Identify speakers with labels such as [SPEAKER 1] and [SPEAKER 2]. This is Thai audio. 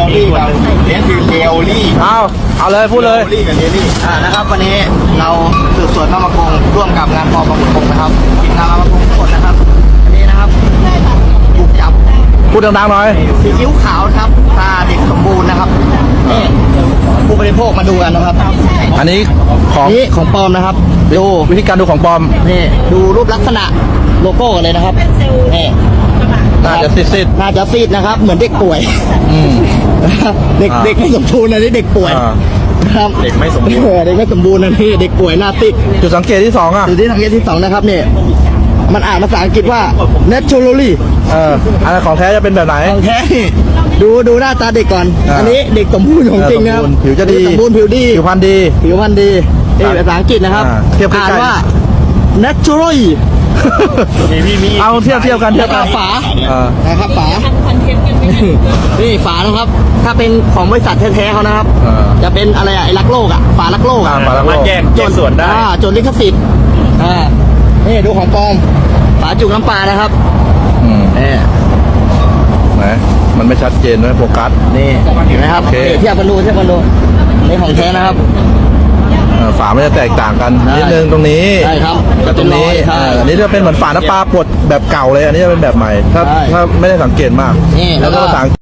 [SPEAKER 1] ลี่กับเลี้ยงคือเรียวลี่
[SPEAKER 2] เอาเลยพูดเลย
[SPEAKER 1] เรียวลี่กับเรียวลี่นะครับวันนี้เราสืบสวนนามกงร่วมกับงานปอบางกงนะครับทีมงานนามกงทุกคนนะครับวันนี้นะครับบุกจับ
[SPEAKER 2] พูดดังๆหน่อย
[SPEAKER 1] ซีอิ๊วขาวนะครับตาเด็กสมบูรณ์นะครับนี่ผู้บริโภคมาดูกันนะครับ
[SPEAKER 2] อันนี้ของ
[SPEAKER 1] นี่ของปลอมนะครับดู
[SPEAKER 2] วิธีการดูของปลอม
[SPEAKER 1] นี่ดูรูปลักษณะโลโก้กันเลยนะครับนี่
[SPEAKER 2] น่าจะซิด
[SPEAKER 1] น่าจะซีดนะครับ เหมือนเด็กป่วย เด็ก
[SPEAKER 2] อ่า
[SPEAKER 1] เด็กไม่สมบูรณ์นะนี่เด็กป่วย
[SPEAKER 2] อ่า
[SPEAKER 1] นะครับเด็กไม่สมบูรณ์เด็กไม่สมบูรณ์นะนี่เด็กป่วยหน้าติด
[SPEAKER 2] จุดสังเกตที่สองอ่ะ
[SPEAKER 1] ดูที่สังเกตที่สองนะครับเนี่ยมันอ่านภาษาอังกฤษว่า naturally
[SPEAKER 2] อันนั้นของแท้จะเป็นแบบไหน
[SPEAKER 1] ของแท้ดูหน้าตาเด็กก่อน อันนี้เด็กสมบูรณ์ของจริงนะครับ
[SPEAKER 2] ผิวจะดี
[SPEAKER 1] สมบูรณ์ผิวดี
[SPEAKER 2] ผิวพรรณดี
[SPEAKER 1] ผิวพรรณดีนี่ภาษาอังกฤษนะครับ
[SPEAKER 2] เทียบใกล้ๆ
[SPEAKER 1] อ่านว่า naturally
[SPEAKER 2] เอาเทียบกัน
[SPEAKER 1] แล้วก็ฝา
[SPEAKER 2] อ่า
[SPEAKER 1] นะครับฝานี่ฝานะครับ ถ้าเป็นของบริษัทแท้ๆเขานะครับ จะเป็นอะไรอะไอ้รักโลกอะฝารักโลกอะ
[SPEAKER 2] ฝารักโลก
[SPEAKER 1] จนส่วนได้จนลิขสิทธิ์นี่ดูของปลอมฝาจุกน้ำปลานะครับ นี่
[SPEAKER 2] ไหนมันไม่ชัดเจนด้วยโฟกัส
[SPEAKER 1] นี่เห็นไหมครับ
[SPEAKER 2] โอเค
[SPEAKER 1] นี่เทียบกันดูนี่ของแท้นะครับ
[SPEAKER 2] ฝามันจะแตกต่างกัน
[SPEAKER 1] ใช่
[SPEAKER 2] นิดนึงตรงนี้
[SPEAKER 1] ใช่ครับ
[SPEAKER 2] กับตรงนี้
[SPEAKER 1] ใช่
[SPEAKER 2] อันนี้จะเป็นเหมือนฝาน้ำปลาปดแบบเก่าเลย อันนี้จะเป็นแบบใหม่ ถ้า
[SPEAKER 1] ใช่
[SPEAKER 2] ถ้าไม่ได้สังเกตมาก
[SPEAKER 1] นี่แล้
[SPEAKER 2] แล้ว
[SPEAKER 1] วก็
[SPEAKER 2] ก็ภาษา